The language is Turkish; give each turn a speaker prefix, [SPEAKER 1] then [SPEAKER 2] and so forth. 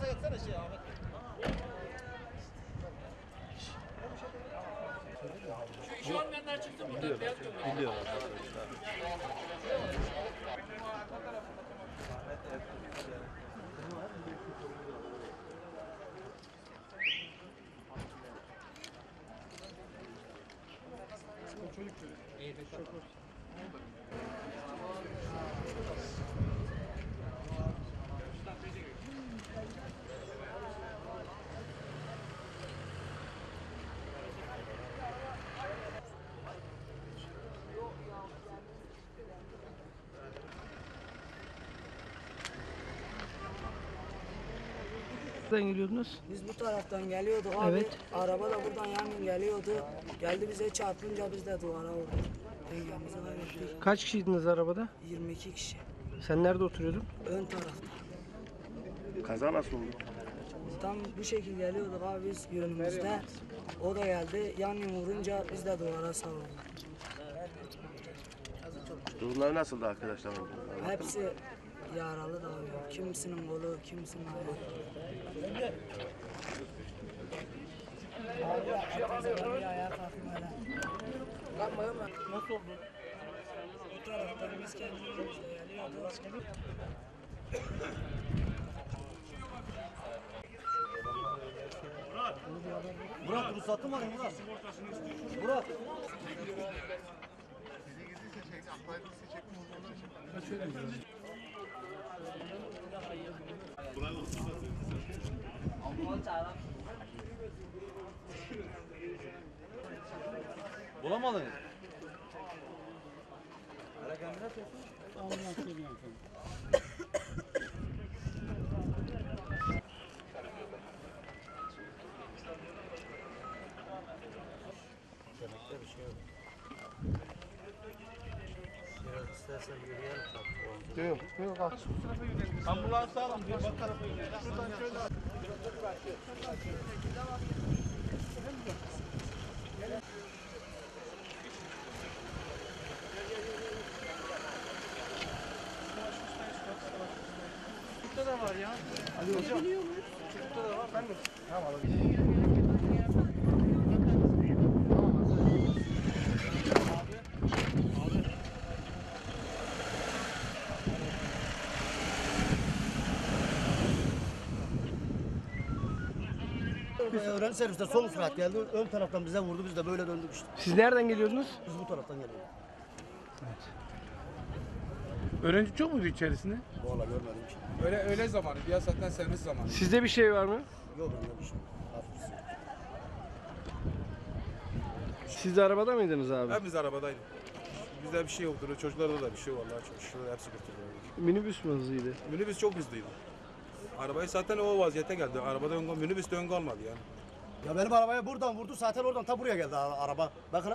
[SPEAKER 1] Şu olmayanlar çıktı burada.
[SPEAKER 2] Biliyor arkadaşlar.
[SPEAKER 3] Nereden geliyordunuz?
[SPEAKER 4] Biz bu taraftan geliyorduk abi.
[SPEAKER 3] Evet.
[SPEAKER 4] Araba da buradan yanın geliyordu. Geldi bize çarpınca biz de duvara vurduk. Dengemizi kaybettik.
[SPEAKER 3] Kaç kişiydiniz arabada?
[SPEAKER 4] 22 kişi.
[SPEAKER 3] Sen nerede oturuyordun?
[SPEAKER 4] Ön tarafta.
[SPEAKER 2] Kaza nasıl oldu?
[SPEAKER 4] Tam bu şekil geliyorduk abi biz yönümüzde. O da geldi. Yanın vurunca biz de duvara savrulduk.
[SPEAKER 2] Durumları nasıldı arkadaşlar?
[SPEAKER 4] Hepsi yaralı da abi. Kimisinin kolu, kimisinin ayağı. Abi hepimize bir ayağa kalkayım hele.
[SPEAKER 3] Nasıl oldu?
[SPEAKER 4] Bu taraftan biz kendimizle geliyorduk.
[SPEAKER 5] Murat ruhsatı var ya Murat. Murat. Bulamadın.
[SPEAKER 4] Bir şey yok. Biraz istersen yürüyelim.
[SPEAKER 2] Yok aç.
[SPEAKER 5] Ambulans alın diyor. Bak tarafa gidiyor. Şuradan şöyle.
[SPEAKER 3] Burada da var ya.
[SPEAKER 5] Ali hocam.
[SPEAKER 3] Burada da var. Ben de.
[SPEAKER 5] Tamam alabilirim. Öğrenci serviste sol sürat geldi. Ön taraftan bize vurdu. Biz de böyle döndük işte.
[SPEAKER 3] Siz nereden geliyordunuz?
[SPEAKER 5] Biz bu taraftan geliyoruz.
[SPEAKER 6] Öğrenci çok muydu içerisinde?
[SPEAKER 5] Vallahi görmedim ki.
[SPEAKER 6] Öyle zamanı, ya zaten servis zamanı.
[SPEAKER 3] Sizde bir şey var mı?
[SPEAKER 5] Yok bende bir şey. Hafif.
[SPEAKER 3] Siz de arabada mıydınız abi?
[SPEAKER 6] Hepimiz arabadaydık. Bizde bir şey yoktu. Çocuklarda da bir şey vallahi çok şükür hepsi kurtuldu.
[SPEAKER 3] Minibüs mü hızlıydı?
[SPEAKER 6] Minibüs çok hızlıydı. Arabayı zaten o vaziyete geldi. Arabada minibüs de ön kalmadı yani.
[SPEAKER 5] Ya benim arabaya buradan vurdu. Zaten oradan ta buraya geldi araba. Bakın.